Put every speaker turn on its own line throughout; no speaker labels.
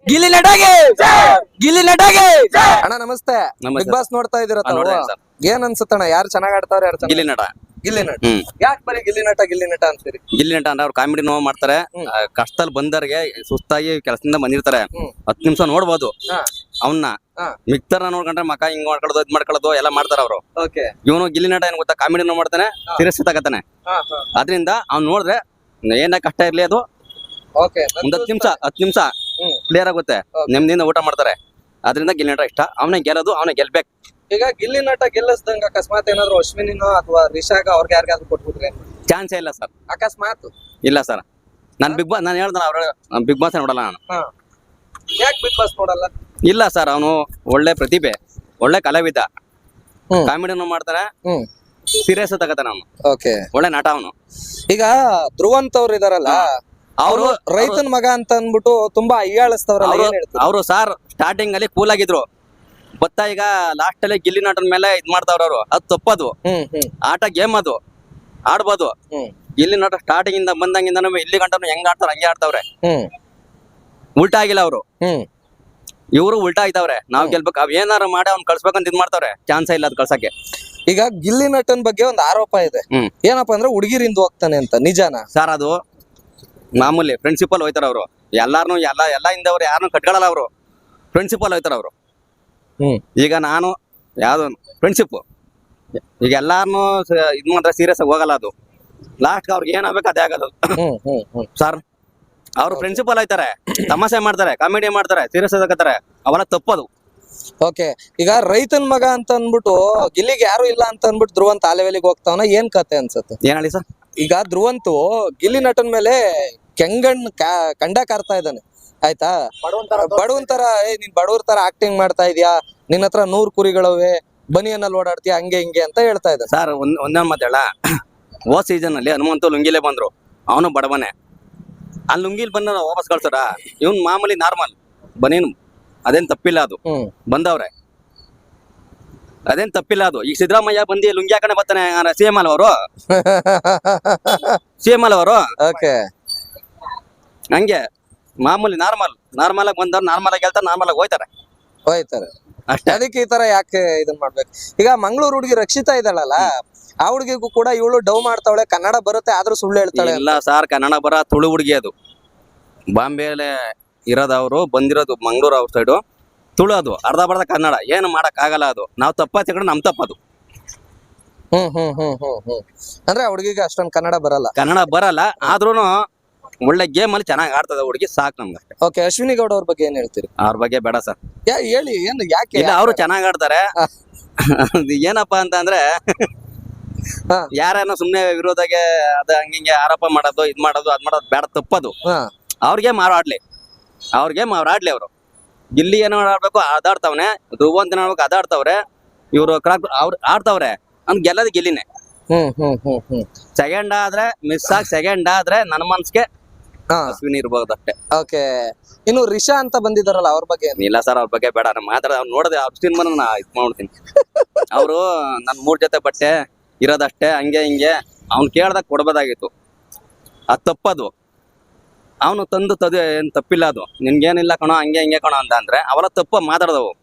ಗಿಲ್ಲಿ ನಟಾಗೆ ಗಿಲ್ಲಿ ನಟಾಗೆ
ಅಣ್ಣ ನಮಸ್ತೆ.
ನಮಸ್ತೆ.
ಬಿಗ್ ಬಾಸ್ ನೋಡ್ತಾ ಇದೀರ
ನೋಡ್ದೆ sir.
ಏನ್ ಅನ್ಸುತ್ತಣ್ಣ? ಯಾರು ಚೆನ್ನಾಗ್ ಆಡ್ತಾವ್ರೆ, ಯಾರು
ಗಿಲ್ಲಿ ನಟ
ಗಿಲ್ಲಿ ನಟ?
ಹ್ಮ್.
ಯಾಕೆ ಬರೀ ಗಿಲ್ಲಿ ನಟ ಅಂತೀರಿ?
ಗಿಲ್ಲಿ ನಟ ಅಂದ್ರೆ ಅವ್ರು ಕಾಮಿಡಿ ನೋವು ಮಾಡ್ತಾರೆ.
ಹ್ಮ್.
ಕಷ್ಟದಲ್ಲಿ ಬಂದವ್ರಿಗೆ ಸುಸ್ತಾಗಿ ಕೆಲಸದಿಂದ ಬಂದಿರ್ತಾರೆ.
ಹ್ಮ್.
10 ನಿಮಿಷ ನೋಡ್ಬೋದು
ಹಾ.
ಅವನ್ನ.
ಹಾ.
ಮಿಕ್ತಾರ ನೋಡ್ಕೊಂಡ್ರೆ ಮಕ ಹಿಂಗ್ ಮಾಡ್ಕೊಳ್ಳೋದು ಇದ್ ಮಾಡ್ಕೊಳ್ಳೋದು ಎಲ್ಲ ಮಾಡ್ತಾರ ಅವ್ರು.
ಓಕೆ.
ಇವನು ಗಿಲ್ಲಿ ನಟ ಏನ್ ಗೊತ್ತಾ, ಕಾಮಿಡಿ ನೋವು ಮಾಡ್ತಾನೆ,
ಹಾ.
ಸೀರಿಯಸ್ ತಗತಾನೆ. ಅದ್ರಿಂದ ಅವ್ನ್ ನೋಡಿದ್ರೆ ಏನ ಕಷ್ಟ ಇರ್ಲಿ ಅದು
ಓಕೆ.
ಒಂದ್ 10 ನಿಮಿಷ
ಹ್ಮ್.
ಕ್ಲಿಯರ್ ಆಗುತ್ತೆ.
Okay.
ನೆಮ್ಮದಿಯಿಂದ ಊಟ ಮಾಡ್ತಾರೆ. ಅದರಿಂದ ಗಿಲ್ಲಿ ನಟ ಇಷ್ಟ. ಅವನೇ ಗೆಲ್ಲೋದು, ಅವನೇ ಗೆಲ್ಬೇಕು.
ಈಗ ಗಿಲ್ಲಿ ನಟ ಗೆಲ್ಲಿಸ್ದಂಗ ಅಕಸ್ಮಾತ್ ಏನಾದ್ರು ಅಶ್ವಿನಿನೋ ಅಥವಾ ರಿಷಾಗ ಅವ್ರಿಗೆ ಯಾರಿಗಾದ್ರು ಕೊಟ್ಬಿಟ್ರೆ
ಚಾನ್ಸೇ ಇಲ್ಲ ಸರ್.
ಅಕಸ್ಮಾತ್
ಇಲ್ಲ ಸರ್. ನಾನು ಹೇಳ್ದಲ್ಲ ಅವ್ರ ಬಿಗ್ ಬಾಸ್ ನೋಡಲ್ಲ ನಾನು.
ಯಾಕೆ ಬಿಗ್ ಬಾಸ್ ನೋಡಲ್ಲ?
ಇಲ್ಲ ಸರ್, ಅವನು ಒಳ್ಳೆ ಪ್ರತಿಭೆ, ಒಳ್ಳೆ ಕಲಾವಿದ,
ಹ್ಮ್.
ಕಾಮಿಡಿನೂ ಮಾಡ್ತಾನೆ,
ಹ್ಮ್.
ಸೀರಿಯಸ್ ತಗತಾನೆ ಅವನು,
ಓಕೆ.
ಒಳ್ಳೆ ನಟ ಅವನು.
ಈಗ ಧ್ರುವಂತ್ ಅವ್ರು ಇದಾರಲ್ಲ, ಅವರು ರೈತನ ಮಗ ಅಂತ ಅನ್ಬಿಟ್ಟು ತುಂಬಾ ಅಯ್ಯಾಳಿಸ್ತವ್ರಲ್ಲ, ಏನ್ ಹೇಳ್ತೀರಿ?
ಅವರು ಸರ್ ಸ್ಟಾರ್ಟಿಂಗ್ ಅಲ್ಲಿ ಕೂಲ್ ಆಗಿದ್ರು. ಬತ್ತಾ ಈಗ ಲಾಸ್ಟ್ ಅಲ್ಲಿ ಗಿಲ್ಲಿ ನಟನ ಮೇಲೆ ಇದ್ ಮಾಡ್ತಾವ್ರ ಅವ್ರು. ಅದು ತಪ್ಪದು. ಆಟ ಗೇಮ್ ಅದು, ಆಡ್ಬೋದು. ಗಿಲ್ಲಿ ನಟ ಸ್ಟಾರ್ಟಿಂಗ್ ಇಂದ ಬಂದಂಗಿಂದ ಇಲ್ಲಿ ಗಂಟನು ಹೆಂಗ್ ಆಡ್ತಾರ ಹಂಗೆ ಆಡ್ತಾವ್ರೆ. ಉಲ್ಟಾ ಆಗಿಲ್ಲ ಅವರು. ಇವರು ಉಲ್ಟಾ ಆಗಿದವ್ರೆ. ನಾವ್ ಗೆಲ್ಬೇಕು, ಅವ್ ಏನಾರು ಮಾಡಿ ಅವ್ನ್ ಕಳ್ಸ್ಬೇಕಂತ ಇದ್ ಮಾಡ್ತಾವ್ರೆ. ಚಾನ್ಸೇ ಇಲ್ಲ ಅದ್ ಕಳ್ಸಕ್ಕೆ.
ಈಗ ಗಿಲ್ಲಿ ನಟನ್ ಬಗ್ಗೆ ಒಂದು ಆರೋಪ ಇದೆ. ಏನಪ್ಪಾ ಅಂದ್ರೆ ಹುಡುಗಿರಿಂದ ಹೋಗ್ತಾನೆ ಅಂತ, ನಿಜಾನ
ಸರ್? ಅದು ಮಾಮೂಲಿ ಪ್ರಿನ್ಸಿಪಲ್ ಹೋಯ್ತಾರ ಅವರು. ಎಲ್ಲಾರನು ಎಲ್ಲ ಹಿಂದವ್ರು ಯಾರನ್ನು ಕಟ್ಕೊಳ್ಳಲ್ಲ ಅವರು. ಪ್ರಿನ್ಸಿಪಲ್ ಹೋಯ್ತಾರ ಅವರು. ಈಗ ನಾನು ಯಾವ್ದು ಫ್ರೆಂಡ್ಶಿಪ್, ಈಗ ಎಲ್ಲಾರನು ಇದ್ ಮಾಡಿದ್ರೆ ಸೀರಿಯಸ್ ಆಗಿ ಹೋಗಲ್ಲ. ಅದು ಲಾಸ್ಟ್ ಅವ್ರಿಗೆ ಏನಾಗಬೇಕು ಅದೇ ಆಗೋದು ಸರ್. ಅವ್ರು ಪ್ರಿನ್ಸಿಪಲ್ ಆಯ್ತಾರೆ, ತಮಾಷೆ ಮಾಡ್ತಾರೆ, ಕಾಮಿಡಿ ಮಾಡ್ತಾರೆ, ಸೀರಿಯಸ್ ಆಗತ್ತಾರೆ, ಅವೆಲ್ಲ ತಪ್ಪದು.
ಓಕೆ. ಈಗ ರೈತನ್ ಮಗ ಅಂತ ಅನ್ಬಿಟ್ಟು ಗಿಲ್ಲಿಗೆ ಯಾರು ಇಲ್ಲ ಅಂತ ಅನ್ಬಿಟ್ಟು ಧ್ರುವಂತ್ ಆಲೆವೆಲಿಗೆ ಹೋಗ್ತಾವನ, ಏನ್ ಕತೆ ಅನ್ಸುತ್ತೆ?
ಏನ್ ಹೇಳಿ ಸರ್?
ಈಗ ಧ್ರುವಂತು ಗಿಲ್ಲಿ ನಟನ್ ಮೇಲೆ ಕೆಂಗಣ್ ಕಂಡ ಕಾರ್ತಾ ಇದ್ದಾನೆ, ಆಯ್ತಾ? ಬಡವನ್ ತರ, ನೀನ್ ಬಡವ್ರ ತರ ಆಕ್ಟಿಂಗ್ ಮಾಡ್ತಾ ಇದೀಯಾ, ನಿನ್ನ ಹತ್ರ 100 ಕುರಿಗಳವೆ, ಬನಿಯನ್ನಲ್ಲಿ ಓಡಾಡ್ತೀಯ, ಹಂಗೆ ಹಿಂಗೆ ಅಂತ ಹೇಳ್ತಾ ಇದ್ದಾನೆ
ಸರ್. ಒಂದೇ ಮಾತು ಹೇಳ, ಹೋದ್ ಸೀಸನ್ ಅಲ್ಲಿ ಹನುಮಂತು ಲುಂಗಿಲೇ ಬಂದ್ರು, ಅವನು ಬಡವನೇ. ಆ ಲುಂಗಿಲ್ ಬಂದ ವಾಪಸ್ ಕಳ್ಸಾರ. ಇವ್ನ್ ಮಾಮೂಲಿ ನಾರ್ಮಲ್ ಬನೀನು, ಅದೇನ್ ತಪ್ಪಿಲ್ಲ. ಅದು ಬಂದವ್ರೆ, ಅದೇನ್ ತಪ್ಪಿಲ್ಲ. ಅದು ಈಗ ಸಿದ್ದರಾಮಯ್ಯ ಬಂದಿ ಲುಂಗಿ ಹಾಕೊಂಡೆ ಬರ್ತಾನೆ. CM ಅಲ್ ಅವರು, CM ಅಲ್ ಅವರು.
ಓಕೆ.
ಹಂಗೆ ಮಾಮೂಲಿ ನಾರ್ಮಲ್ ಆಗಿ ಬಂದವ್ರು ನಾರ್ಮಲ್ ಆಗಿ ಹೇಳ್ತಾರೆ, ನಾರ್ಮಲ್ ಆಗಿ ಹೋಯ್ತಾರೆ ಅಷ್ಟೇ.
ಅದಕ್ಕೆ ಈ ತರ ಯಾಕೆ ಇದನ್ ಮಾಡ್ಬೇಕು? ಈಗ ಮಂಗಳೂರು ಹುಡುಗಿ ರಕ್ಷಿತಾ ಇದ್ದಾಳಲ್ಲ, ಆ ಹುಡುಗಿಗೂ ಕೂಡ ಇವಳು ಡವ್ ಮಾಡ್ತಾವಳೆ, ಕನ್ನಡ ಬರುತ್ತೆ ಆದ್ರೂ ಸುಳ್ಳು ಹೇಳ್ತಾಳೆ.
ಇಲ್ಲ ಸರ್, ಕನ್ನಡ ಬರ ತುಳು ಹುಡುಗಿ. ಅದು ಬಾಂಬೆಲೆ ಇರೋದವ್ರು, ಬಂದಿರೋದು ಮಂಗಳೂರು ಅವ್ರ ಸೈಡು. ತುಳು ಅದು ಅರ್ಧ ಬರ್ಧ ಕನ್ನಡ. ಏನು ಮಾಡಕ್ ಆಗಲ್ಲ. ಅದು ನಾವು ತಪ್ಪ ತಗೊಂಡು ನಮ್ ತಪ್ಪದು.
ಅಂದ್ರೆ ಆ ಹುಡುಗಿಗೆ ಅಷ್ಟೊಂದು ಕನ್ನಡ ಬರಲ್ಲ.
ಆದ್ರೂನು ಒಳ್ಳೆ ಗೇಮ್ ಅಲ್ಲಿ ಚೆನ್ನಾಗಿ ಆಡ್ತದ ಹುಡುಗಿ, ಸಾಕು ನಮ್ಗೆ ಅಷ್ಟೇ.
ಓಕೆ. ಅಶ್ವಿನಿ ಗೌಡ ಅವ್ರ ಬಗ್ಗೆ ಏನ್ ಹೇಳ್ತೀರಿ?
ಅವ್ರ ಬಗ್ಗೆ ಬೇಡ ಸರ್.
ಹೇಳಿ, ಏನು ಯಾಕೆ?
ಇಲ್ಲ, ಅವರು ಚೆನ್ನಾಗ್ ಆಡ್ತಾರೆ. ಏನಪ್ಪಾ ಅಂತ ಅಂದ್ರೆ ಯಾರೇನೋ ಸುಮ್ನೆ ವಿರೋಧಗೆ ಅದ ಹಂಗಿಂಗೆ ಆರೋಪ ಮಾಡೋದು, ಇದ್ ಮಾಡೋದು, ಅದ್ ಮಾಡೋದು ಬೇಡ, ತಪ್ಪದು. ಅವ್ರಿಗೆ ಮಾರಾಡ್ಲಿ, ಅವರು ಗಿಲ್ಲಿ ಏನೋ ಆಡ್ಬೇಕು ಅದಾಡ್ತಾವನೆ, ಧ್ರುವಂತ ಆಡ್ಬೇಕು ಅದಾಡ್ತಾವ್ರೆ. ಇವ್ರು ಅವ್ರು ಆಡ್ತಾವ್ರೆ, ಅವ್ನ್ ಗೆಲ್ಲದ ಗಿಲ್ಲಿನೇ. ಸೆಕೆಂಡ್ ಆದ್ರೆ ಮಿಸ್ ಆಗಿ, ಸೆಕೆಂಡ್ ಆದ್ರೆ ನನ್ನ ಮನ್ಸ್ಗೆ ಅಶ್ವಿನಿ ಇರ್ಬೋದು ಅಷ್ಟೇ.
ಓಕೆ. ಇನ್ನು ರಿಷಾ ಅಂತ ಬಂದಿದಾರಲ್ಲ, ಅವ್ರ ಬಗ್ಗೆ
ಇಲ್ಲ ಸರ್, ಅವ್ರ ಬಗ್ಗೆ ಬೇಡ. ಮಾತ್ರ ಅವ್ರು ನೋಡಿದೆ, ಅವ್ರ ಸಿನಿಮಾನ ನಾ ಇದ್ ಮಾಡ್ತೀನಿ. ಅವರು ನನ್ 3 ಜೊತೆ ಬಟ್ಟೆ ಇರೋದಷ್ಟೇ, ಹಂಗೆ ಹಿಂಗೆ. ಅವ್ನ್ ಕೇಳ್ದಾಗ ಕೊಡ್ಬೋದಾಗಿತ್ತು, ಅದ್ ತಪ್ಪದು. ಅವನು ತಂದು ಏನ್ ತಪ್ಪಿಲ್ಲ. ಅದು ನಿನ್ಗೇನಿಲ್ಲ ಕಣೋ, ಹಂಗೆ ಹಿಂಗೆ ಕಣೋ ಅಂತ ಅಂದ್ರೆ ಅವೆಲ್ಲ ತಪ್ಪು ಮಾತಾಡದವು.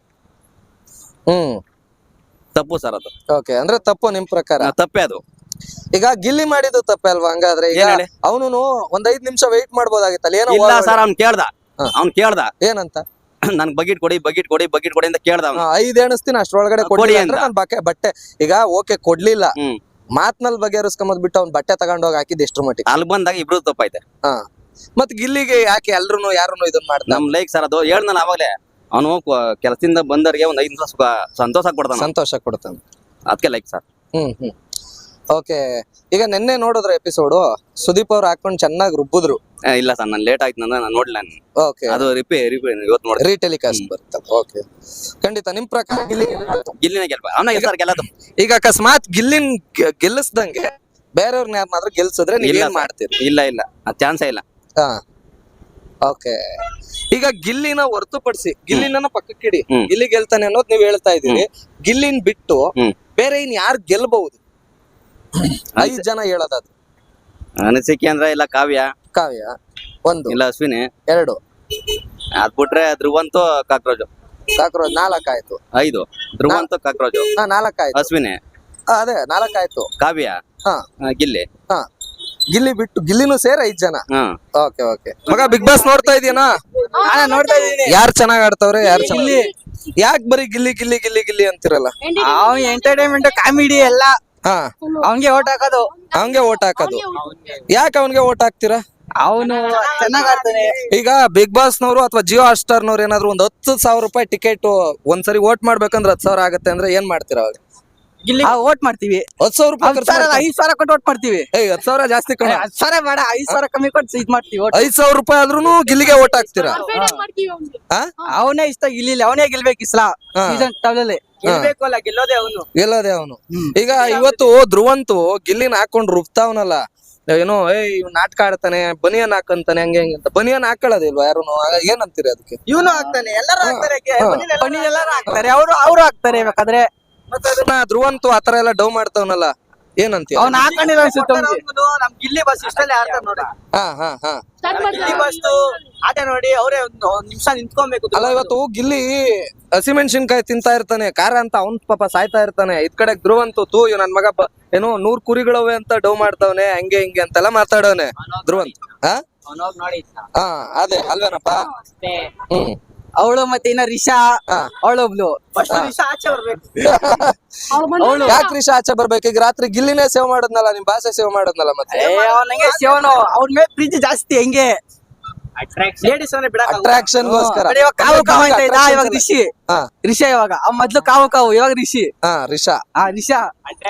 ತಪ್ಪು ಸರ್ ಅದು.
ಓಕೆ. ಅಂದ್ರೆ ತಪ್ಪು ನಿಮ್ ಪ್ರಕಾರ?
ತಪ್ಪೇ ಅದು.
ಈಗ ಗಿಲ್ಲಿ ಮಾಡಿದ್ದು ತಪ್ಪೆ ಅಲ್ವಾ? ಹಂಗಾದ್ರೆ ಈಗ ಅವನು ಒಂದ್ 5 ನಿಮಿಷ ವೆಯ್ಟ್ ಮಾಡ್ಬೋದಾಗಿತ್ತಲ್ಲ, ಏನೋ?
ಇಲ್ಲ ಸರ್, ಅವ್ನ್ ಕೇಳ್ದ
ಏನಂತ?
ನನ್ಗೆ ಬಕೆಟ್ ಕೊಡಿ ಅಂತ ಕೇಳ್ದ.
5 ಎಣಿಸ್ತೀನಿ, ಅಷ್ಟ್ರೊಳಗಡೆ ಕೊಡಿ ಅಂದ್ರೆ ನಾನು ಬಟ್ಟೆ. ಈಗ ಓಕೆ, ಕೊಡ್ಲಿಲ್ಲ, ಮಾತ್ನಲ್ಲಿ ಬಗೆಹರಿಸ್ಕೊಂಬದ್ ಬಿಟ್ಟು ಅವ್ನ್ ಬಟ್ಟೆ ತಗೊಂಡೋಗಿ ಹಾಕಿದ್ ಎಷ್ಟ್ರ ಮಟ್ಟಿಗೆ?
ಅಲ್ಲಿ ಬಂದಾಗ ಇಬ್ರು ತಪ್ಪೈತೆ.
ಮತ್ ಗಿಲ್ಲಿಗೆ ಯಾಕೆ ಎಲ್ರು ಯಾರನ್ನು ಇದನ್ ಮಾಡ್ತಾರೆ?
ನಮ್ ಲೈಕ್ ಸರ್, ಅದು ಹೇಳ್ದಲ್ಲ ಅವಾಗಲೇ, ಅವನು ಕೆಲಸದಿಂದ ಬಂದವ್ರಿಗೆ ಒಂದ್ 5 ನಿಮಿಷ ಸಂತೋಷ ಕೊಡ್ತಾನೆ. ಅದಕ್ಕೆ ಲೈಕ್ ಸರ್.
ಓಕೆ. ಈಗ ನಿನ್ನೆ ನೋಡಿದ್ರೆ ಎಪಿಸೋಡ್, ಸುದೀಪ್ ಅವ್ರು ಹಾಕೊಂಡ್ ಚೆನ್ನಾಗಿ ರುಬ್ಬಿದ್ರು.
ಇಲ್ಲ ಸರ್, ನಾನು ಲೇಟ್ ಆಯ್ತು, ನಾನು ನೋಡ್ಲಿಲ್ಲ.
ಓಕೆ.
ಅದು ಇವತ್ತು ನೋಡಿ
ರೀಟೆಲಿಕಾಸ್ಟ್ ಬರುತ್ತೆ. ಓಕೆ. ಖಂಡಿತ ನಿಮ್ ಪ್ರಕಾರ
ಗಿಲ್ಲಿನ ಗೆಲ್ಲದು.
ಈಗ ಅಕಸ್ಮಾತ್ ಗಿಲ್ಲಿನ್ ಗೆಲ್ಲಿಸ್ದಂಗೆ ಬೇರೆಯವ್ರನ್ನ ಯಾರನ್ನಾದ್ರೂ ಗೆಲ್ಸಿದ್ರೆ ನೀವ್ ಏನ್ ಮಾಡ್ತೀರಿ?
ಇಲ್ಲ, ಚಾನ್ಸೇ ಇಲ್ಲ.
ಓಕೆ. ಈಗ ಗಿಲ್ಲಿನ ಹೊರತುಪಡಿಸಿ, ಗಿಲ್ಲಿನ ಪಕ್ಕಕ್ಕಿಡಿ, ಗಿಲ್ಲಿ ಗೆಲ್ತಾನೆ ಅನ್ನೋದು ನೀವ್ ಹೇಳ್ತಾ ಇದೀರಿ. ಗಿಲ್ಲಿನ್ ಬಿಟ್ಟು ಬೇರೆ ಇನ್ ಯಾರು ಗೆಲ್ಬಹುದು? 5 ಜನ ಹೇಳೋದಾದ್ರು
ಅನಿಸಿಕೆ ಅಂದ್ರೆ ಇಲ್ಲ ಕಾವ್ಯ,
1,
ಇಲ್ಲ ಅಶ್ವಿನಿ,
2,
ಅದ್ ಬಿಟ್ರೆ ಧ್ರುವಂತು ಕಾಕ್ರೋಜ್
ಕಾಕ್ರೋಚ್ 4 ಆಯ್ತು.
5 ಧ್ರುವಂತು ಕಾಕ್ರೋಜ್
4 ಆಯ್ತು.
ಅಶ್ವಿನಿ
ಅದೇ 4 ಆಯ್ತು.
ಕಾವ್ಯ
ಹಾ
ಗಿಲ್ಲಿ
ಹಾ ಗಿಲ್ಲಿ ಬಿಟ್ಟು ಗಿಲ್ಲಿನೂ ಸೇರಿ 5 ಜನ.
Hmm
okay okay. ಮಗ ಬಿಗ್ ಬಾಸ್ ನೋಡ್ತಾ ಇದೀಯನಾ?
ನೋಡ್ತಾ ಇದೀನಿ.
ಯಾರು ಚೆನ್ನಾಗ್ ಆಡ್ತವ್ರೆ, ಯಾರು ಚೆನ್ನಾಗಿ? ಯಾಕೆ ಬರೀ ಗಿಲ್ಲಿ ಗಿಲ್ಲಿ ಗಿಲ್ಲಿ ಗಿಲ್ಲಿ ಅಂತಿರಲ್ಲ?
ಅವ್ನ್ ಎಂಟರ್ಟೈನ್ಮೆಂಟ್ ಕಾಮಿಡಿ ಎಲ್ಲ
ಹಾ
ಅವ್ನ್ಗೆ ಓಟ್ ಹಾಕೋದು.
ಅವಂಗೆ ಓಟ್ ಹಾಕೋದು. ಯಾಕೆ ಅವನ್ಗೆ ಓಟ್ ಹಾಕ್ತೀರಾ?
ಅವನು ಚೆನ್ನಾಗ್ ಆಡ್ತಾನೆ.
ಈಗ ಬಿಗ್ ಬಾಸ್ ನವರು ಅಥವಾ ಜಿಯೋ ಹಾಟ್ ಸ್ಟಾರ್ ನವ್ರು ಏನಾದ್ರು ಒಂದ್ 10,000 ರೂಪಾಯಿ ಟಿಕೆಟ್ ಒಂದ್ಸರಿ ಓಟ್ ಮಾಡ್ಬೇಕಂದ್ರೆ 10,000 ಆಗತ್ತೆ ಅಂದ್ರೆ ಏನ್ ಮಾಡ್ತೀರಾ ಅವಾಗ?
ಓಟ್ ಮಾಡ್ತೀವಿ.
10,000 ರೂಪಾಯಿ ಖರ್ಚು
5,000 ಕೊಟ್ಟು ಓಟ್ ಮಾಡ್ತೀವಿ.
10,000 ಜಾಸ್ತಿ ಕಣ.
10,000 ಬೇಡ, 5,000 ಕಮ್ಮಿ ಕೊಟ್ಟು ಇದ್ ಮಾಡ್ತೀವಿ.
5,000 ರೂಪಾಯಿ ಆದ್ರೂ ಗಿಲ್ಲಿಗೆ ಓಟ್ ಹಾಕ್ತೀರಾ? ಹಾ
ಅವನೇ ಇಷ್ಟ ಗಿಲ್ಲಿ, ಅವನೇ ಗೆಲ್ಬೇಕು ಇಸ್ಲಾ
ಹಾ.
ಸೀಸನ್ ಟವಲಲ್ಲಿ. ಗೆಲ್ಬೇಕು ಅಲ್ಲ, ಗೆಲ್ಲೋದೇ ಅವನು.
ಗೆಲ್ಲೋದೆ ಅವನು. ಈಗ ಇವತ್ತು ಧ್ರುವಂತು ಗಿಲ್ಲಿನ ಹಾಕೊಂಡ್ ರುಬ್ತಾವನಲ್ಲ, ಏನೋ ಇವ್ ನಾಟಕ ಆಡ್ತಾನೆ, ಬನಿಯನ್ ಹಾಕಂತಾನೆ, ಹಂಗೆ ಹಂಗೆ ಅಂತ. ಬನಿಯನ್ ಹಾಕೊಳ್ಳೋದಿಲ್ವಾ ಯಾರು? ಏನಂತೀರಿ ಅದಕ್ಕೆ?
ಇವನು ಹಾಕ್ತಾನೆ, ಎಲ್ಲರೂ ಹಾಕ್ತಾರೆ. ಬನ್ನಿ ಎಲ್ಲರೂ ಹಾಕ್ತಾರೆ, ಅವ್ರು ಹಾಕ್ತಾರೆ ಬೇಕಾದ್ರೆ.
ಮತ್ತೆ ಅದನ್ನ ಧ್ರುವಂತು ಆತರ ಎಲ್ಲ ಡೌ ಮಾಡ್ತಾವನಲ್ಲ, ಏನಂತೀಯ?
ಅವ್ನ ಹಾಕೊಂಡಿರೋ ಅನ್ಸುತ್ತೆ ನಮ್ ಗಿಲ್ಲಿ ಬಸ್ ಇಷ್ಟಲ್ಲೇ ಆಡ್ತಾರೆ ನೋಡಿ.
ಹಾ ಹಾ ಹಾ
ಗಿಲ್ಲಿ ಬಸ್ ಆಟ ನೋಡಿ ಅವರೇ ಒಂದ್ ನಿಮಿಷ ನಿಂತ್ಕೊಬೇಕು.
ಅಲ್ಲ, ಇವತ್ತು ಗಿಲ್ಲಿ ಹಸಿಮೆಣಸಿನ್ಕಾಯಿ ತಿಂತಾ ಇರ್ತಾನೆ, ಖಾರ ಅಂತ ಅವ್ನ್ ಪಾಪ ಸಾಯ್ತಾ ಇರ್ತಾನೆ. ಇದ್ ಕಡೆ ಧ್ರುವಂತು ನನ್ ಮಗ ಏನೋ 100 ಕುರಿಗಳವೆ ಅಂತ ಡೌ ಮಾಡ್ತಾವನೆ, ಹಂಗೆ ಹಿಂಗೆ ಅಂತೆಲ್ಲ ಮಾತಾಡವನೆ ಧ್ರುವಂತ್. ಹಾ ಹಾ ಅದೇ ಅಲ್ವೇನಪ್ಪ? ಹ್ಮ್
ಅವಳು ಮತ್ತೆ ಇನ್ನ ರಿಷಾ, ಅವಳೊಬ್ಳು ರಿಷಾ ಆಚೆ ಬರ್ಬೇಕು.
ಯಾಕೆ ರಿಷಾ ಆಚೆ ಬರ್ಬೇಕು? ಈಗ ರಾತ್ರಿ ಗಿಲ್ಲಿನೇ ಸೇವ್ ಮಾಡೋದ್ನಲ್ಲ, ನಿಮ್ ಭಾಷೆ ಸೇವ್ ಮಾಡೋದ್ನಲ್ಲ. ಮತ್ತೆ
ಅವನಿಗೆ ಶಿವನು ಅವ್ರ ಮೇಲೆ ಪ್ರೀತಿ ಜಾಸ್ತಿ, ಹೆಂಗೆ ಲೇಡೀಸ್
ಅಟ್ರಾಕ್ಷನ್ ಗೋಸ್ಕರ.
ಕಾವು ಕಾವು ಅಂತ ಇದ್ದ ಇವಾಗ ರಿಷಿ. ರಿಷಾ ಇವಾಗ ಮೊದ್ಲು ಕಾವು ಕಾವು, ಇವಾಗ ರಿಷಿ.
ಹಾ ರಿಷಾ.
ರಿಷಾ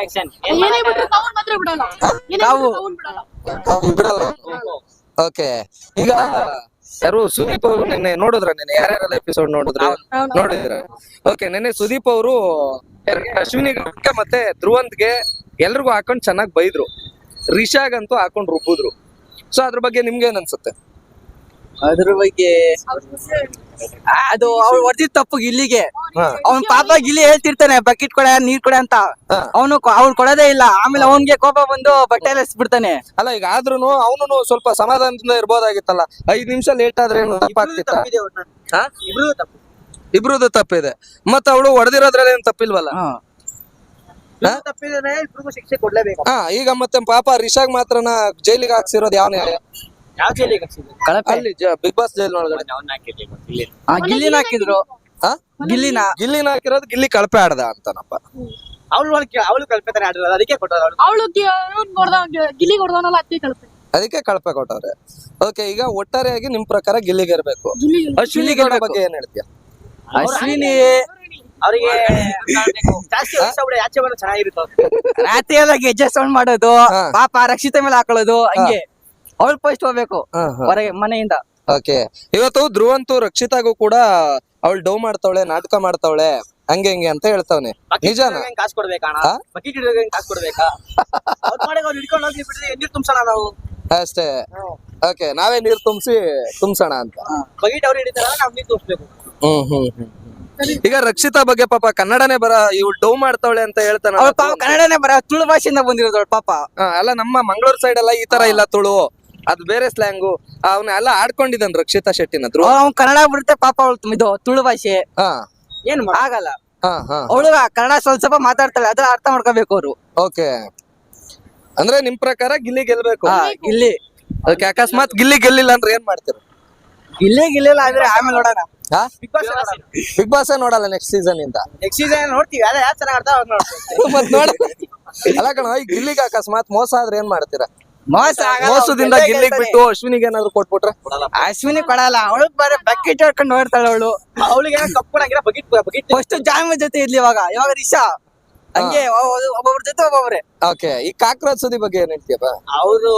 ಕಾವು.
ಓಕೆ. ಈಗ ಯಾರು ಸುದೀಪ್ ಅವರು ನಿನ್ನೆ ನೋಡಿದ್ರ? ನಿನ್ನೆ ಯಾರ್ಯಾರೆಲ್ಲ ಎಪಿಸೋಡ್ ನೋಡಿದ್ರ? ಓಕೆ. ನಿನ್ನೆ ಸುದೀಪ್ ಅವರು ಅಶ್ವಿನಿ ಮತ್ತೆ ಧ್ರುವಂತ್ಗೆ ಎಲ್ರಿಗೂ ಹಾಕೊಂಡ್ ಚೆನ್ನಾಗ್ ಬೈದ್ರು, ರಿಷಾಗಂತೂ ಹಾಕೊಂಡ್ ರುಬ್ಬಿದ್ರು. ಸೊ ಅದ್ರ ಬಗ್ಗೆ ನಿಮ್ಗೆ ಏನ್ ಅನ್ಸುತ್ತೆ?
ಅದ್ರ ಬಗ್ಗೆ ಅದು ಅವ್ಳು ಹೊಡೆದಿದ್ ತಪ್ಪು ಗಿಲ್ಲಿಗೆ. ಅವ್ನ್ ಪಾಪ ಗಿಲ್ಲಿ ಹೇಳ್ತಿರ್ತಾನೆ ಬಕೆಟ್ ಕೊಡ, ನೀರ್ ಕೊಡ ಅಂತ. ಅವ್ಳು ಕೊಡೋದೇ ಇಲ್ಲ. ಆಮೇಲೆ ಅವನ್ಗೆ ಕೋಪ ಬಂದು ಬಟ್ಟೆ ಎಲ್ಲ ಎಸ್ಬಿಡ್ತಾನೆ.
ಅಲ್ಲ, ಈಗ ಆದ್ರೂನು ಅವನು ಸ್ವಲ್ಪ ಸಮಾಧಾನದಿಂದ ಇರ್ಬೋದಾಗಿತ್ತಲ್ಲ. 5 ನಿಮಿಷ ಲೇಟ್ ಆದ್ರೆ ಏನು ತಪ್ಪಾಗ್ತಿತ್ತ? ಇಬ್ರದ್ದು ತಪ್ಪಿದೆ. ಮತ್ತ ಅವಳು ಹೊಡೆದಿರೋದ್ರಲ್ಲಿ ಏನ್ ತಪ್ಪಿಲ್ವಲ್ಲ?
ತಪ್ಪಿದ್ರೆ ಇಬ್ರಿಗೂ ಶಿಕ್ಷೆ ಕೊಡ್ಲೇಬೇಕು.
ಈಗ ಮತ್ತೆ ಪಾಪ ರಿಷಾಗ್ ಮಾತ್ರನ ಜೈಲಿಗೆ ಹಾಕ್ಸಿರೋದು ಯಾವ ನ್ಯಾಯ? ಅಲ್ಲಿ ಬಿಗ್ ಬಾಸ್ ಜೈಲ್ ಒಳಗಡೆ
ಗಿಲ್ಲಿನ ಹಾಕಿದ್ರು.
ಗಿಲ್ಲಿನ ಹಾಕಿರೋದು ಗಿಲ್ಲಿ ಕಳಪೆ ಆಡ್ದ ಅಂತನಪ್ಪ.
ಅವಳು ಕಲ್ಪನೆ ಆಡಿರೋದು, ಅದಕ್ಕೆ ಕೊಟ್ಟರು. ಅವಳು ಗಿಲ್ಲಿ ಕೊಡ್ದವನಲ್ಲ,
ಅದಕ್ಕೆ ಕಳಪೆ ಕೊಟ್ಟವ್ರೆ. ಓಕೆ. ಈಗ ಒಟ್ಟಾರೆಯಾಗಿ ನಿಮ್ ಪ್ರಕಾರ ಗಿಲ್ಲಿಗೆ ಇರ್ಬೇಕು. ಅಶ್ವಿನಿ ಗೌಡ ಬಗ್ಗೆ ಏನ್ ಹೇಳ್ತೀಯ?
ಅಶ್ವಿನಿ ಅವರಿಗೆ ಜಾಸ್ತಿ ಆಚೆ ಬರೋ ಚೆನ್ನಾಗಿರುತ್ತೆ. ರಾತ್ರಿ ಎಲ್ಲ ಗೆಜ್ಜೆ ಸೌಂಡ್ ಮಾಡೋದು, ಪಾಪ ರಕ್ಷಿತ ಮೇಲೆ ಹಾಕೊಳ್ಳೋದು, ಹಂಗೆ ಅವಳು ಫಸ್ಟ್ ಹೋಗ್ಬೇಕು ಹೊರಗೆ ಮನೆಯಿಂದ.
ಓಕೆ. ಇವತ್ತು ಧ್ರುವಂತು ರಕ್ಷಿತಾಗೂ ಕೂಡ ಅವಳು ಡೌ ಮಾಡ್ತಾವಳೆ, ನಾಟಕ ಮಾಡ್ತಾವಳೆ, ಹಂಗೆ ಹಿಂಗೆ ಅಂತ ಹೇಳ್ತಾವನೆ. ನಿಜಾನ?
ಕಾಸು ಕೊಡ್ಬೇಕಾ? ಬಕೆಟ್ ಕಾಸು ಕೊಡ್ಬೇಕಾ? ಹಿಡ್ಕೊಂಡು ಹೋಗಿ ಬಿಟ್ರೆ ನೀರ್ ತುಂಬಿಸೋಣ ನಾವು
ಅಷ್ಟೇ. ಓಕೆ. ನಾವೇ ನೀರ್ ತುಂಬಿಸೋಣ ಅಂತ.
ಬಕೆಟ್ ಅವ್ರು ಹಿಡಿತಾರ, ನಾವ್ ನೀರ್ ತುಂಬಿಸ್ಬೇಕು.
ಈಗ ರಕ್ಷಿತಾ ಬಗ್ಗೆ ಪಾಪ ಕನ್ನಡನೇ ಇವ್ಳು ಡೌ ಮಾಡ್ತಾವಳೆ ಅಂತ ಹೇಳ್ತಾನೆ.
ಕನ್ನಡನೇ ತುಳು ಭಾಷೆಯಿಂದ ಬಂದಿರೋದು ಪಾಪ.
ಅಲ್ಲ, ನಮ್ಮ ಮಂಗಳೂರು ಸೈಡ್ ಎಲ್ಲ ಈ ತರ ಇಲ್ಲ, ತುಳು ಅದು ಬೇರೆ ಸ್ಲ್ಯಾಂಗು. ಅವನ್ನ ಎಲ್ಲ ಆಡ್ಕೊಂಡಿದ್ದಾನೆ ರಕ್ಷಿತಾ ಶೆಟ್ಟಿನ.
ಅವ್ನು ಕನ್ನಡ ಬಿಡುತ್ತೆ ಪಾಪ, ಅವಳು ಇದು ತುಳು ಭಾಷೆ ಏನ್ ಆಗಲ್ಲ. ಅವಳು ಕನ್ನಡ ಸ್ವಲ್ಪ ಮಾತಾಡ್ತಾಳೆ, ಅದ್ರ ಅರ್ಥ ಮಾಡ್ಕೋಬೇಕು ಅವ್ರು.
ಓಕೆ. ಅಂದ್ರೆ ನಿಮ್ ಪ್ರಕಾರ ಗಿಲ್ಲಿ ಗೆಲ್ಬೇಕು?
ಗಿಲ್ಲಿ.
ಓಕೆ. ಅಕಸ್ಮಾತ್ ಗಿಲ್ಲಿ ಗೆಲ್ಲಿಲ್ಲ ಅಂದ್ರೆ ಏನ್ ಮಾಡ್ತೀರ?
ಗಿಲ್ಲಿ ಗೆಲ್ಲಿಲ್ಲ ಅಂದ್ರೆ ಆಮೇಲೆ ನೋಡೋಣ.
ಬಿಗ್ ಬಾಸ್ ನೋಡಲ್ಲ ನೆಕ್ಸ್ಟ್ ಸೀಸನ್ ಇಂದ?
ನೆಕ್ಸ್ಟ್ ಸೀಸನ್ ನೋಡ್ತೀವಿ, ಅದೇ ಯಾರು ಚೆನ್ನಾಗ್ ಆಡ್ತಾ
ಅಲ್ಲ ಕಣ, ಈ ಗಿಲ್ಲಿಗೆ ಅಕಸ್ಮಾತ್ ಮೋಸ ಆದ್ರೆ ಏನ್ ಮಾಡ್ತೀರಾ?
ಮೋಸದಿಂದ
ಗಿಲ್ಲಿಗೆ ಬಿಟ್ಟು ಅಶ್ವಿನಿಗೆ ಏನಾದ್ರು ಕೊಟ್ಬಿಟ್ರೆ?
ಅಶ್ವಿನಿ ಕೊಡಲ್ಲ, ಅವಳು ಬರೀ ಬಕೆಟ್ ಹೊಡ್ಕೊಂಡು ನೋಡ್ತಾಳೆ. ಅವಳಿಗೆ ಕಪ್ ಕೊಡಂಗಿಲ್ಲ, ಬಕೆಟ್ ಫಸ್ಟ್ ಜಾಮ ಜೊತೆ ಇರ್ಲಿ. ಇವಾಗ ರಿಷಾ ಹಂಗೆ ಒಬ್ಬೊಬ್ರ ಜೊತೆ ಒಬ್ಬೊಬ್ರೆ.
ಓಕೆ. ಈ ಕಾಕ್ರೋಚ್ ಸುದಿ ಬಗ್ಗೆ ಏನ್ ಹೇಳ್ತೀಯಪ್ಪ?
ಅವರು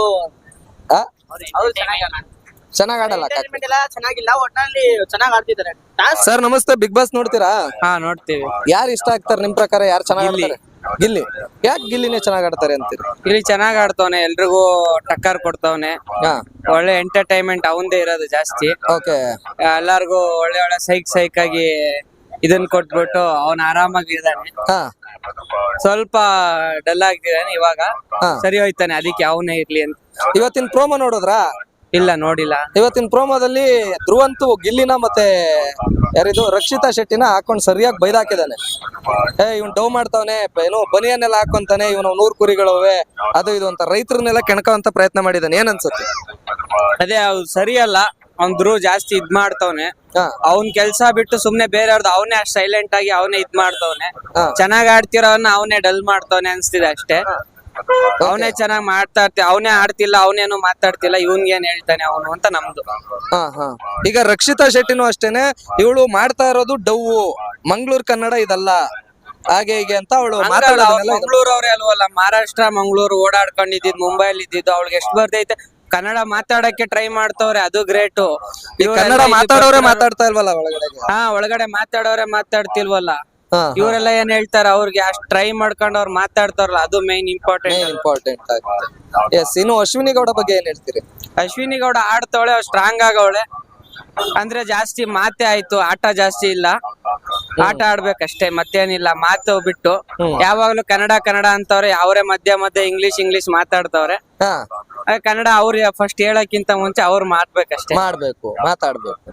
ಚೆನ್ನಾಗ್ ಆಡಲ್ಲ,
ಚೆನ್ನಾಗಿಲ್ಲ, ಒಟ್ನಲ್ಲಿ ಚೆನ್ನಾಗ್ ಆಡ್ತಿದ್ದಾರೆ.
ಸರ್ ನಮಸ್ತೆ. ಬಿಗ್ ಬಾಸ್ ನೋಡ್ತೀರಾ?
ನೋಡ್ತೀವಿ.
ಯಾರು ಇಷ್ಟ ಆಗ್ತಾರೆ ನಿಮ್ ಪ್ರಕಾರ? ಯಾರು ಚೆನ್ನಾಗ್ ಆಡ್ತಾರೆ? ಗಿಲ್ಲಿ. ಯಾಕೆ ಗಿಲ್ಲಿನೇ ಚೆನ್ನಾಗ್ ಆಡ್ತಾರೆ ಅಂತೀರಿ?
ಇಲ್ಲಿ ಚೆನ್ನಾಗ್ ಆಡ್ತವನೆ, ಎಲ್ರಿಗೂ ಟಕ್ಕರ್ ಕೊಡ್ತವನೆ. ಒಳ್ಳೆ ಎಂಟರ್ಟೈನ್ಮೆಂಟ್ ಅವಂದೇ ಇರೋದು ಜಾಸ್ತಿ.
ಓಕೆ.
ಎಲ್ಲಾರ್ಗು ಒಳ್ಳೆ ಒಳ್ಳೆ ಸೈಕ್ ಆಗಿ ಇದನ್ ಕೊಟ್ಬಿಟ್ಟು ಅವನ್ ಆರಾಮಾಗಿ ಇದ್ದಾನೆ. ಸ್ವಲ್ಪ ಡಲ್ ಆಗಿದ್ದಾನೆ, ಇವಾಗ ಸರಿ ಹೋಯ್ತಾನೆ, ಅದಕ್ಕೆ ಅವನೇ ಇರ್ಲಿ ಅಂತ.
ಇವತ್ತಿನ ಪ್ರೋಮೋ ನೋಡಿದ್ರಾ?
ಇಲ್ಲ ನೋಡಿಲ್ಲ.
ಇವತ್ತಿನ ಪ್ರೋಮೋದಲ್ಲಿ ಧ್ರುವಂತು ಗಿಲ್ಲಿನ ಮತ್ತೆ ಯಾರಿದು ರಕ್ಷಿತಾ ಶೆಟ್ಟಿನ ಹಾಕೊಂಡು ಸರಿಯಾಗಿ ಬೈದಾಕಿದಾನೆ. ಇವ್ನು ಡೌ ಮಾಡ್ತಾವನೆ, ಏನು ಬನಿಯನ್ನೆಲ್ಲ ಹಾಕೊಂತಾನೆ, ಇವನು 100 ಕುರಿಗಳವೆ ಅದು ಇದು ಅಂತ ರೈತರನ್ನೆಲ್ಲ ಕೆಣಕುವಂತ ಪ್ರಯತ್ನ ಮಾಡಿದಾನೆ. ಏನ್ ಅನ್ಸುತ್ತೆ?
ಅದೇ ಅವ್ರು ಸರಿಯಲ್ಲ. ಅವ್ನ್ ಧ್ರುವ ಜಾಸ್ತಿ ಇದ್ ಮಾಡ್ತವ್ನೆ. ಅವ್ನ್ ಕೆಲ್ಸ ಬಿಟ್ಟು ಸುಮ್ನೆ ಬೇರೆಯವ್ರದ್ದು ಅವನೇ ಅಷ್ಟ್ ಸೈಲೆಂಟ್ ಆಗಿ ಅವನೇ ಇದ್ ಮಾಡ್ತವ್ನೆ. ಚೆನ್ನಾಗ್ ಆಡ್ತಿರೋನ್ನ ಅವನೇ ಡಲ್ ಮಾಡ್ತವ್ನೆ ಅನ್ಸ್ತಿದೆ ಅಷ್ಟೇ. ಅವನೇ ಚೆನ್ನಾಗ್ ಅವನೇ ಆಡ್ತಿಲ್ಲ, ಅವನೇನು ಮಾತಾಡ್ತಿಲ್ಲ, ಇವನ್ಗೇನ್ ಹೇಳ್ತಾನೆ ಅವನು ಅಂತ ನಮ್ದು.
ಈಗ ರಕ್ಷಿತಾ ಶೆಟ್ಟಿನೂ ಅಷ್ಟೇನೆ, ಇವಳು ಮಾಡ್ತಾ ಇರೋದು ಡವ್ವು, ಮಂಗಳೂರು ಕನ್ನಡ ಇದಲ್ಲ ಹಾಗೆ ಹೀಗೆ ಅಂತ ಅವಳು ಮಾತಾಡೋದನ್ನೆಲ್ಲ.
ಮಂಗಳೂರು ಅವ್ರೆ ಅಲ್ವಲ್ಲ, ಮಹಾರಾಷ್ಟ್ರ ಮಂಗಳೂರು ಓಡಾಡ್ಕೊಂಡಿದ್ದು, ಮುಂಬೈಲಿ ಇದ್ದಿದ್ದು, ಅವಳಿಗೆ ಎಷ್ಟು ಬರ್ತೈತೆ ಕನ್ನಡ ಮಾತಾಡಕ್ಕೆ ಟ್ರೈ ಮಾಡ್ತವ್ರೆ, ಅದು ಗ್ರೇಟು.
ಕನ್ನಡ ಮಾತಾಡೋರೆ ಮಾತಾಡ್ತಾ ಇಲ್ವಲ್ಲ ಒಳಗಡೆ.
ಒಳಗಡೆ ಮಾತಾಡೋರೆ ಮಾತಾಡ್ತಿಲ್ವಲ್ಲ. ಇವರೆಲ್ಲ ಏನ್ ಹೇಳ್ತಾರ, ಅವ್ರಿಗೆ ಅಷ್ಟ್ ಟ್ರೈ ಮಾಡ್ಕೊಂಡು ಅವ್ರು ಮಾತಾಡ್ತಾರಲ್ಲ, ಅದು ಮೇನ್ ಇಂಪಾರ್ಟೆಂಟ್
ಆಗುತ್ತೆ. ಎಸ್, ಇನ್ನು ಅಶ್ವಿನಿ ಗೌಡ ಬಗ್ಗೆ ಏನ್ ಹೇಳ್ತೀರಿ?
ಅಶ್ವಿನಿ ಗೌಡ ಆಡ್ತವಳೆ, ಸ್ಟ್ರಾಂಗ್ ಆಗವಳೆ. ಅಂದ್ರೆ ಜಾಸ್ತಿ ಮಾತೆ ಆಯ್ತು, ಆಟ ಜಾಸ್ತಿ ಇಲ್ಲ. ಆಟ ಆಡ್ಬೇಕಷ್ಟೇ, ಮತ್ತೇನಿಲ್ಲ. ಮಾತು ಬಿಟ್ಟು ಯಾವಾಗ್ಲೂ ಕನ್ನಡ ಅಂತವ್ರೆ, ಅವರೇ ಮಧ್ಯ ಇಂಗ್ಲಿಷ್ ಮಾತಾಡ್ತವ್ರೆ. ಕನ್ನಡ ಅವ್ರ ಫಸ್ಟ್ ಹೇಳಕ್ಕಿಂತ ಮುಂಚೆ ಅವ್ರು ಮಾತಾಡ್ಬೇಕು.
ಮಾತಾಡ್ಬೇಕು.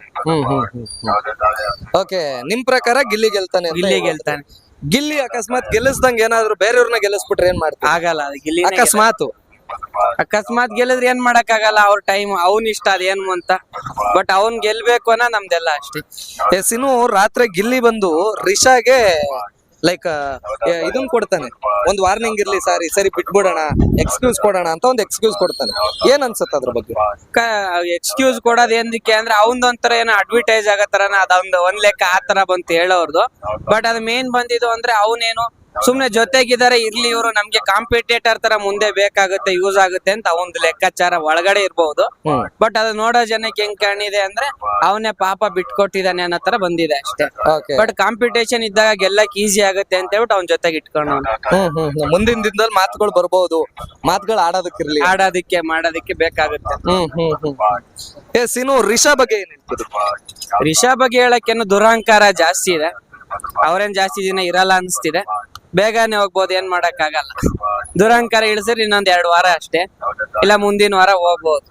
ಓಕೆ, ನಿಮ್ ಪ್ರಕಾರ ಗಿಲ್ಲಿ ಗೆಲ್ತಾನೆ? ಗಿಲ್ಲಿ ಅಕಸ್ಮಾತ್ ಗೆಲ್ಲಿಸ್ದಂಗ ಏನಾದ್ರು ಬೇರೆಯವ್ರನ್ನ ಗೆಲ್ಲಿಸ್ಬಿಟ್ರೆ ಏನ್ ಮಾಡ್ತಾರೆ?
ಆಗಲ್ಲ. ಗಿಲ್ಲಿ
ಅಕಸ್ಮಾತ್
ಗೆಲ್ಲಿದ್ರೆ ಏನ್ ಮಾಡಕ್ ಆಗಲ್ಲ. ಅವ್ರ ಟೈಮ್ ಅವ್ನ್ ಇಷ್ಟ ಅದೇನು ಅಂತ. ಬಟ್ ಅವ್ನ್ ಗೆಲ್ಬೇಕು ಅನ್ನೋ ನಮ್ದೆಲ್ಲ ಅಷ್ಟೇ.
ಎಸ್, ಇನ್ನು ರಾತ್ರಿ ಗಿಲ್ಲಿ ಬಂದು ರಿಷಾಗೆ ಲೈಕ್ ಇದನ್ ಕೊಡ್ತಾನೆ, ಒಂದ್ ವಾರ್ನಿಂಗ್ ಇರ್ಲಿ, ಸರಿ ಬಿಟ್ಬಿಡೋಣ, ಎಕ್ಸ್ಕ್ಯೂಸ್ ಕೊಡೋಣ ಅಂತ ಒಂದು ಎಕ್ಸ್ಕ್ಯೂಸ್ ಕೊಡ್ತಾನೆ. ಏನ್ ಅನ್ಸುತ್ತೆ ಅದ್ರ ಬಗ್ಗೆ?
ಎಕ್ಸ್ಕ್ಯೂಸ್ ಕೊಡೋದ್ ಏನಕ್ಕೆ ಅಂದ್ರೆ ಒಂಥರ ಏನೋ ಅಡ್ವರ್ಟೈಸ್ ಆಗತ್ತಾರನ, ಒಂದ್ ಲೆಕ್ಕ ಆತರ ಬಂತು ಹೇಳೋರ್ದು. ಬಟ್ ಅದ್ ಮೇನ್ ಬಂದಿದ್ದು ಅಂದ್ರೆ ಅವನೇನು ಸುಮ್ನೆ ಜೊತೆಗಿದ್ದಾರೆ, ಇರ್ಲಿ ಇವರು ನಮ್ಗೆ ಕಾಂಪಿಟೇಟರ್ ತರ ಮುಂದೆ ಬೇಕಾಗುತ್ತೆ, ಯೂಸ್ ಆಗುತ್ತೆ ಅಂತ ಒಂದು ಲೆಕ್ಕಾಚಾರ ಒಳಗಡೆ ಇರ್ಬಹುದು. ಬಟ್ ಅದು ನೋಡೋ ಜನಕ್ಕೆ ಹೆಂಗ್ ಕಾಣಿದೆ ಅಂದ್ರೆ ಅವನೇ ಪಾಪ ಬಿಟ್ಕೊಟ್ಟಿದ್ದಾನೆ ಅನ್ನೋ ತರ ಬಂದಿದೆ ಅಷ್ಟೇ. ಬಟ್ ಕಾಂಪಿಟೇಷನ್ ಇದ್ದಾಗ ಗೆಲ್ಲಕ್ ಈಸಿ ಆಗುತ್ತೆ ಅಂತ ಹೇಳ್ಬಿಟ್ಟು ಅವ್ನ ಜೊತೆಗೆ ಇಟ್ಕೊಂಡು
ಮುಂದಿನ ದಿನದಲ್ಲಿ ಮಾತುಗಳು ಬರ್ಬಹುದು, ಮಾತುಗಳು
ಮಾಡೋದಕ್ಕೆ ಬೇಕಾಗುತ್ತೆ.
ಎಸ್, ಇನ್ನು ರಿಷಾ ಬಗ್ಗೆ ಏನ್ ಹೇಳ್ತೀರಿ?
ರಿಷಾ ಬಗ್ಗೆ ಹೇಳಕ್ಕೇನು ದುರಹಂಕಾರ ಜಾಸ್ತಿ ಇದೆ. ಅವ್ರೇನ್ ಜಾಸ್ತಿ ದಿನ ಇರಲ್ಲ ಅನ್ಸ್ತಿದೆ, ಬೇಗನೆ ಹೋಗ್ಬೋದು, ಏನ್ ಮಾಡಕ್ ಆಗಲ್ಲ. ದುರಹಂಕಾರ ಇಳಿಸಿದ್ರೆ ಇನ್ನೊಂದ್ 2 ವಾರ ಅಷ್ಟೇ, ಇಲ್ಲ ಮುಂದಿನ ವಾರ ಹೋಗ್ಬೋದು.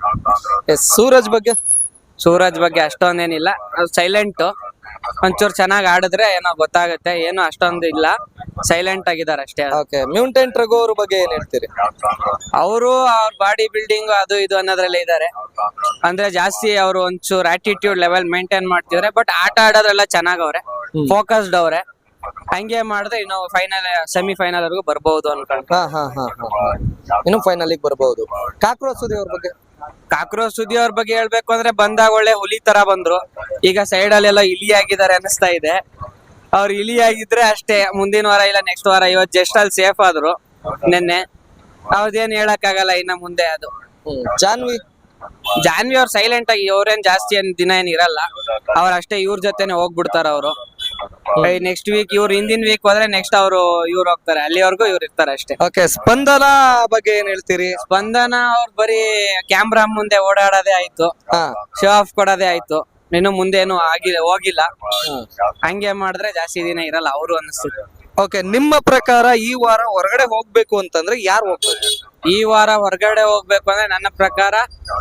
ಸೂರಜ್ ಬಗ್ಗೆ ಅಷ್ಟೊಂದೇನಿಲ್ಲ, ಸೈಲೆಂಟ್. ಒಂಚೂರು ಚೆನ್ನಾಗ್ ಆಡಿದ್ರೆ ಏನೋ ಗೊತ್ತಾಗುತ್ತೆ, ಏನೋ ಅಷ್ಟೊಂದು ಇಲ್ಲ, ಸೈಲೆಂಟ್ ಆಗಿದ್ದಾರೆ ಅಷ್ಟೇ.
ಮ್ಯೂಟೆಂಟ್ ರಘು ಅವ್ರ ಬಗ್ಗೆ ಏನ್ ಹೇಳ್ತೀರಿ?
ಅವರು ಅವ್ರ ಬಾಡಿ ಬಿಲ್ಡಿಂಗ್ ಅದು ಇದು ಅನ್ನೋದ್ರಲ್ಲೇ ಇದ್ದಾರೆ. ಅಂದ್ರೆ ಜಾಸ್ತಿ ಅವರು ಒಂಚೂರು ಆಟಿಟ್ಯೂಡ್ ಲೆವೆಲ್ ಮೇಂಟೈನ್ ಮಾಡ್ತಿದ್ರೆ. ಬಟ್ ಆಟ ಆಡೋದ್ರೆಲ್ಲ ಚೆನ್ನಾಗವ್ರೆ, ಫೋಕಸ್ಡ್ ಅವ್ರೆ. ಹಂಗೆ ಮಾಡಿದ್ರೆ ಇನ್ನು ಸೆಮಿಫೈನಲ್ ವರ್ಗು ಬರ್ಬಹುದು ಅನ್ಕೊಂಡು.
ಇನ್ನು ಫೈನಲ್ ಬರ್ಬಹುದು.
ಕಾಕ್ರೋಚ್ ಸುದ್ದಿ ಅವ್ರ ಬಗ್ಗೆ ಹೇಳ್ಬೇಕು ಅಂದ್ರೆ ಬಂದಾಗ ಒಳ್ಳೆ ಹುಲಿ ತರ ಬಂದ್ರು. ಈಗ ಸೈಡ್ ಅಲ್ಲೆಲ್ಲ ಇಲಿ ಆಗಿದ್ದಾರೆ ಅನಿಸ್ತಾ ಇದೆ. ಅವ್ರು ಇಲಿ ಆಗಿದ್ರೆ ಅಷ್ಟೇ, ಮುಂದಿನ ವಾರ ಇಲ್ಲ ನೆಕ್ಸ್ಟ್ ವಾರ. ಇವತ್ತು ಜಸ್ಟ್ ಅಲ್ಲಿ ಸೇಫ್ ಆದ್ರು ನಿನ್ನೆ. ಅವ್ರದೇನ್ ಹೇಳಕ್ ಆಗಲ್ಲ ಇನ್ನ ಮುಂದೆ. ಅದು ಜಾನ್ವಿ ಅವ್ರು ಸೈಲೆಂಟ್ ಆಗಿ, ಅವ್ರೇನ್ ಜಾಸ್ತಿ ದಿನ ಏನ್ ಇರಲ್ಲ, ಅವ್ರ ಅಷ್ಟೇ ಇವ್ರ ಜೊತೆನೆ ಹೋಗ್ಬಿಡ್ತಾರ ಅವರು. ನೆಕ್ಸ್ಟ್ ವೀಕ್ ಇವ್ರು ಹಿಂದಿನ ವೀಕ್ ಹೋದ್ರೆ ನೆಕ್ಸ್ಟ್ ಇವ್ರು ಹೋಗ್ತಾರೆ, ಅಲ್ಲಿವರೆಗೂ ಇವ್ರು ಇರ್ತಾರೆ ಅಷ್ಟೇ.
ಸ್ಪಂದನ ಬಗ್ಗೆ ಏನ್ ಹೇಳ್ತೀರಿ?
ಸ್ಪಂದನ ಅವ್ರು ಬರೀ ಕ್ಯಾಮ್ರಾ ಮುಂದೆ ಓಡಾಡೋದೇ ಆಯ್ತು, ಶೋ ಆಫ್ ಕೊಡೋದೇ ಆಯ್ತು, ಇನ್ನು ಮುಂದೆ ಏನು ಹೋಗಿಲ್ಲ. ಹಂಗೆ ಮಾಡಿದ್ರೆ ಜಾಸ್ತಿ ದಿನ ಇರಲ್ಲ ಅವರು ಅನಿಸ್ತಿದೆ.
ನಿಮ್ಮ ಪ್ರಕಾರ ಈ ವಾರ ಹೊರಗಡೆ ಹೋಗ್ಬೇಕು ಅಂತಂದ್ರೆ ಯಾರು ಹೋಗ್ಬೇಕು?
ಈ ವಾರ ಹೊರಗಡೆ ಹೋಗ್ಬೇಕು ಅಂದ್ರೆ ನನ್ನ ಪ್ರಕಾರ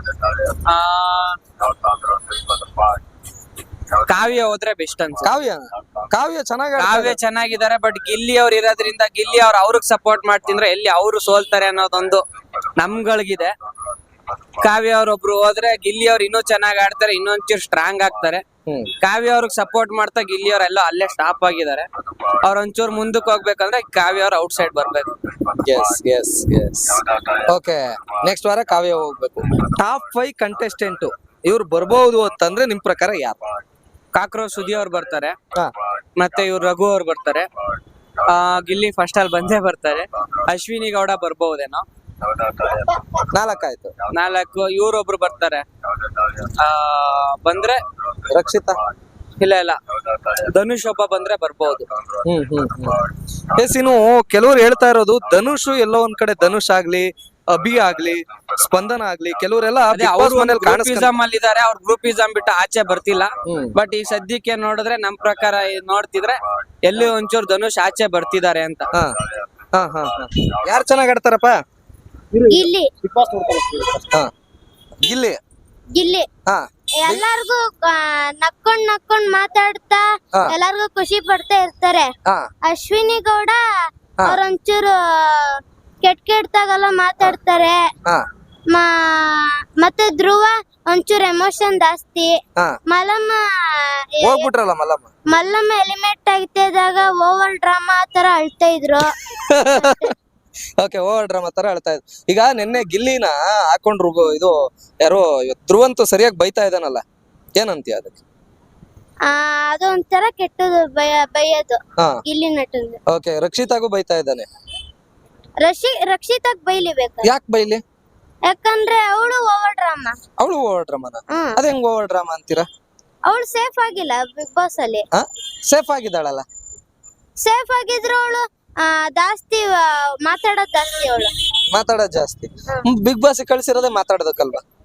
ಕಾವ್ಯ ಹೋದ್ರೆ ಬೆಸ್ಟ್ ಅನ್ಸುತ್ತೆ. ಕಾವ್ಯ ಚೆನ್ನಾಗಿದ್ದಾರೆ. ಬಟ್ ಗಿಲ್ಲಿ ಅವ್ರು ಇರೋದ್ರಿಂದ ಗಿಲ್ಲಿ ಅವ್ರಿಗೆ ಸಪೋರ್ಟ್ ಮಾಡ್ತಿದ್ರೆ ಎಲ್ಲಿ ಅವರು ಸೋಲ್ತಾರೆ ಅನ್ನೋದೊಂದು ನಮ್ಗಳಿಗಿದೆ. ಕಾವ್ಯ ಅವ್ರೊಬ್ರು ಹೋದ್ರೆ ಗಿಲ್ಲಿ ಅವ್ರು ಇನ್ನೂ ಚೆನ್ನಾಗಿ ಆಡ್ತಾರೆ, ಇನ್ನೊಂಚೂರು ಸ್ಟ್ರಾಂಗ್ ಆಗ್ತಾರೆ. ಕಾವ್ಯ ಅವ್ರಿಗೆ ಸಪೋರ್ಟ್ ಮಾಡ್ತಾ ಗಿಲ್ಲಿ ಅವರೆಲ್ಲ ಅಲ್ಲೇ ಸ್ಟಾಪ್ ಆಗಿದ್ದಾರೆ. ಅವ್ರ ಒಂಚೂರು ಮುಂದಕ್ಕೆ ಹೋಗ್ಬೇಕಂದ್ರೆ ಕಾವ್ಯ ಅವ್ರ ಔಟ್ ಸೈಡ್ ಬರ್ಬೇಕು.
ನೆಕ್ಸ್ಟ್ ವಾರ ಕಾವ್ಯ ಹೋಗ್ಬೇಕು. ಟಾಪ್ 5 ಕಂಟೆಸ್ಟೆಂಟ್ ಇವ್ರು ಬರ್ಬಹುದು ಅಂತಂದ್ರೆ ನಿಮ್ ಪ್ರಕಾರ ಯಾರು?
ಕಾಕ್ರೋಚ್ ಸುದ್ದಿ ಅವ್ರು ಬರ್ತಾರೆ, ಮತ್ತೆ ಇವ್ರು ರಘು ಅವ್ರು ಬರ್ತಾರೆ, ಗಿಲ್ಲಿ ಫಸ್ಟ್ ಅಲ್ಲಿ ಬಂದೇ ಬರ್ತಾರೆ. ಅಶ್ವಿನಿ ಗೌಡ ಬರ್ಬಹುದೇನೋ.
4 ಆಯ್ತು.
4 ಇವ್ರೊಬ್ರು ಬರ್ತಾರೆ. ಬಂದ್ರೆ
ರಕ್ಷಿತಾ
ಇಲ್ಲ ಧನುಷ್ ಒಬ್ಬ ಬಂದ್ರೆ ಬರ್ಬಹುದು.
ಇನ್ನು ಕೆಲವ್ರು ಹೇಳ್ತಾ ಇರೋದು ಧನುಷ್ ಎಲ್ಲೋ ಒಂದ್ ಕಡೆ, ಧನುಷ್ ಆಗ್ಲಿ, ಅಭಿ ಆಗ್ಲಿ, ಸ್ಪಂದನ ಆಗ್ಲಿ, ಕೆಲವರೆಲ್ಲ
ಗ್ರೂಪಿಸಮ್ ಅಲ್ಲಿ ಇದಾರೆ. ಅವ್ರ ಗ್ರೂಪಿಸಮ್ ಬಿಟ್ಟು ಆಚೆ ಬರ್ತಿಲ್ಲ. ಬಟ್ ಈ ಸದ್ಯಕ್ಕೆ ನೋಡಿದ್ರೆ ನಮ್ ಪ್ರಕಾರ ನೋಡ್ತಿದ್ರೆ ಎಲ್ಲಿ ಒಂಚೂರು ಧನುಷ್ ಆಚೆ ಬರ್ತಿದ್ದಾರೆ ಅಂತ.
ಯಾರು ಚೆನ್ನಾಗ್ ಆಡ್ತಾರಪ್ಪ?
ಗಿಲ್ಲಿ.
ಗಿಲ್ಲಿ
ಗಿಲ್ಲಿ
ಹಾ
ಎಲ್ಲಾರ್ಗು ನಕ್ಕೊಂಡ್ ಮಾತಾಡ್ತಾ
ಹಾ.
ಎಲ್ಲಾರ್ಗು ಖುಷಿ ಪಡ್ತಾ ಇರ್ತಾರೆ.
ಹಾ
ಅಶ್ವಿನಿ ಗೌಡ
ಹಾ.
ಅವ್ರೊಂಚೂರು ಕೆಟ್ಟಾಗೆಲ್ಲ ಮಾತಾಡ್ತಾರೆ.
ಹಾ
ಮತ್ತೆ ಧ್ರುವ ಒಂಚೂರು ಎಮೋಷನ್ ಜಾಸ್ತಿ.
ಹಾ
ಮಲ್ಲಮ್ಮ
ಹೋಗ್ಬಿಟ್ರಲ್ಲ ಮಲ್ಲಮ್ಮ.
ಮಲ್ಲಮ್ಮ ಎಲಿಮೆಂಟ್ ಆಗ್ತಿದ್ದಾಗ ಓವರ್ ಡ್ರಾಮಾ ತರ ಅಳ್ತಾ ಇದ್ರು.
ಓಕೆ ಓವರ್ ಡ್ರಾಮಾ ತರ ಹೇಳ್ತಾ ಇದ್ರು. ಈಗ ನಿನ್ನೆ ಗಿಲ್ಲಿನ ಹಾಕೊಂಡ್ರು ಇದು ಯಾರೋ ಧ್ರುವಂತು ಸರಿಯಾಗಿ ಬೈತಾ ಇದ್ದಾನಲ್ಲ, ಏನಂತೀಯ ಅದಕ್ಕೆ?
ಅದೊಂಥರ ಕೆಟ್ಟದು ಬೈಯೋದು
ಹಾ
ಗಿಲ್ಲಿ ನಟಂದು.
ಓಕೆ, ರಕ್ಷಿತಾಗೂ ಬೈತಾ ಇದ್ದಾನೆ.
ರಕ್ಷಿತಾಗ್ ಬೈಲಿಬೇಕು,
ಯಾಕೆ ಬೈಲಿ?
ಯಾಕಂದ್ರೆ ಅವಳು ಓವರ್ ಡ್ರಾಮಾ.
ಅವಳು ಓವರ್ ಡ್ರಾಮಾನ? ಅದ ಹೆಂಗ್ ಓವರ್ ಡ್ರಾಮಾ ಅಂತೀರಾ?
ಅವಳು ಸೇಫ್ ಆಗಿಲ್ಲ ಬಿಗ್ ಬಾಸ್ ಅಲ್ಲಿ.
ಸೇಫ್ ಆಗಿದ್ದಾಳಲ್ಲ.
ಸೇಫ್ ಆಗಿದ್ರು ಅವಳು ಜಾಸ್ತಿ ಮಾತಾಡೋದ್ ಜಾಸ್ತಿ ಅವಳು.
ಮಾತಾಡೋದ್ ಜಾಸ್ತಿ. ಬಿಗ್ ಬಾಸ್ ಕಳ್ಸಿರೋದೇ ಮಾತಾಡೋದಕ್ಕಲ್ವಾ?